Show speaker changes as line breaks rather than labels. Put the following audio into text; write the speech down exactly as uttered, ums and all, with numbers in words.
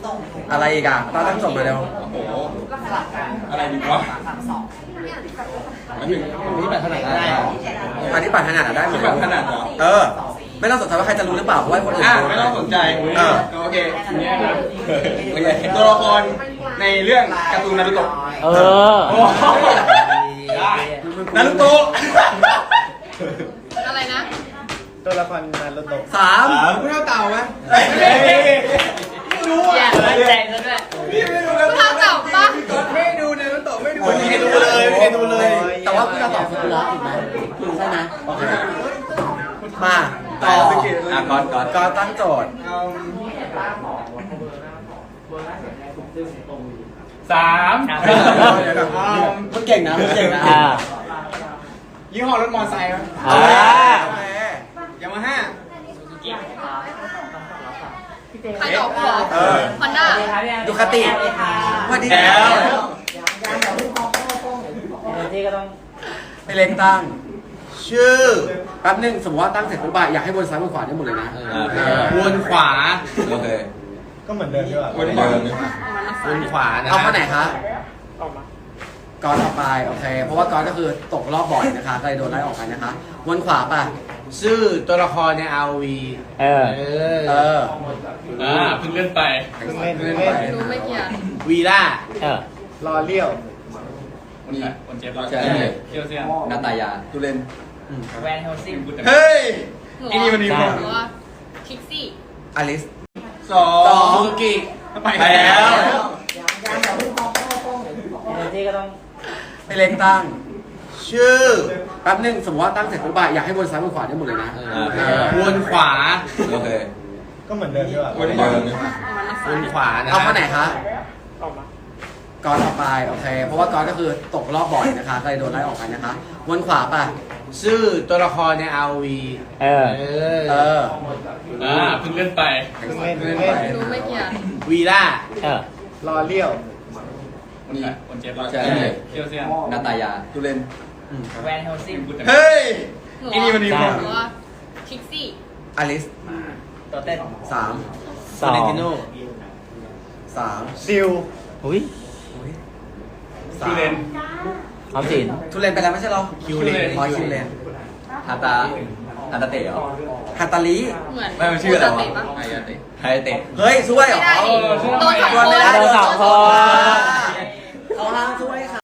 อะไรอีกอ่ะตาตั้งจบมาเร็ว
โอ้โหอะไรดีวะอันนี้นี่แบบขนาดได้เหรอ
อันนี้ปัดถนัดอะได้หมด
แบบขนาดเหรอ
เออ ไม่ต้องสนใจว่าใครจะรู้หรือเปล่าเพราะว่าคนอื่น
อ่ะ
รู้
ไม่ต้องสนใจ
เออ
โอเคโอเคตัวละครในเรื่องการ์ตูนนารูโตะ
เออ
โอ้โหได้นารูโตะ
อะไรนะ
ตัวละครนารูโตะ
สาม
คุณเท่าเต่าไหมไม่รู้
แย่
อ่ะ
เลยแจงซะด้วย
พี่ไม่ดู
คุณเท่าเต่าปะ
ไม่ดูนารูโตะไม่ดู
ไม่ดูเลยไม่ดูเลย แต่ว่าคุณจะตอบฟุกุระถูกไหมใช่ไหมโอเคมาต่ออ่ะก่อนก่อนก่อนตั้งโจทย์
สาม
มึงเก่งนะมึงเก่งนะ
อ่า
ยี่ห้อรถมอเตอร์ไซค์ครับ
อ่า
โอเค
ยามาฮ่า
ใครตอบหัว
เออ
ฮอนด้า
ดูคติวันนี้
แล้ว
ที่ก็ต้อง
ไปเล็กตั้ง ชื่อแป๊บนึงสมมติว่าตั้งเสร็จปุ๊บอะอยากให้วนซ้ายวนขวาได้หมดเลยนะ
วนขวา
โอเค
ก็เหมือนเดิมใช่ป่ะ
วนขวาวนขวานะ
เอาข้อไหนคะก่อนต่อไปโอเค เพราะว่าก่อนก็คือตกรอบบ่อยนะคะก็เลยโดนไล่ออกไปนะคะวนขวาป่ะ
ชื่อตัวละครใน อาร์ โอ วี
เออ
เออ
เออ
อ่าเพิ่งเล่นไป
เพิ่งเล่นเพิ่งเล่น
รู้ไม่เกี่ยว
วีล่า
เออ
รอเลี้ยว
คนคนเจ็บ
ใช่
เที่ยวเซียน
นาตายาตุเรน
แวนเฮลซิง
เฮ้ย
หัว
ไอ้นี่มันนี่
ใช่
หัวคิกซี่
อลิส
สอง
สอง
ซูซูกิไป
ไปแล้
แล้ว ว
ที่ก็ต้อง
ไปเล็กตั้ง ชื่อแป๊บนึงสมมติว่าตั้งเสร็จปุ๊บอะอยากให้วนซ้ายวนขวาได้หมดเลยนะ
วนขวา
โอเค
ก็เหมือนเดิมใช่ป่ะ
วนขวาวนขวานะ
เอาข้อไหนคะก่อนต่อไปโอเค เพราะว่าก่อนก็คือตกรอบบ่อยนะคะก็เลยโดนไล่ออกไปนะคะวนขวาป่ะ
ชื่อตัวละครใน อาร์ โอ วี
เออ
เอ
เอ
อ
อ
อ่าเพิ่งเล่นไป
เพิ่งเล่นเพิ่งเล่น
รู้ไม่เกี่ยว
วีล่า
เออ
รอเลี้ยว
คนคนเจ็บ
ใช่
เที่ยวเซียน
นาตายาตุเรน
แวนเฮลซิง
เฮ้ย
หัว
ไอ้นี่มันนี่
ใช่
หัวคิกซี่
อลิส
ตัวเต้น
สาม
สอง
สาม
ซิล
อุ้ย
สาม
คิวเลน
ออมสิน
ทุเรนไปแล้วไม่ใช่หรอ
คิวเลน
อ๋อคิวเลน
ฮาตาฮาตาเตะเหรอ
ฮาตาลี
เหมือน
ไม่มันชื่ออะไรวะ
ปกติป
ไฮยาเตะไฮยาเตะ
เฮ้ยช่วยเหร
ไม่
อ
ได้ดิโดนสอง
ช่วย
ค
ไม่
น
ได้
โดนสองคน
เขาห้ามช่วย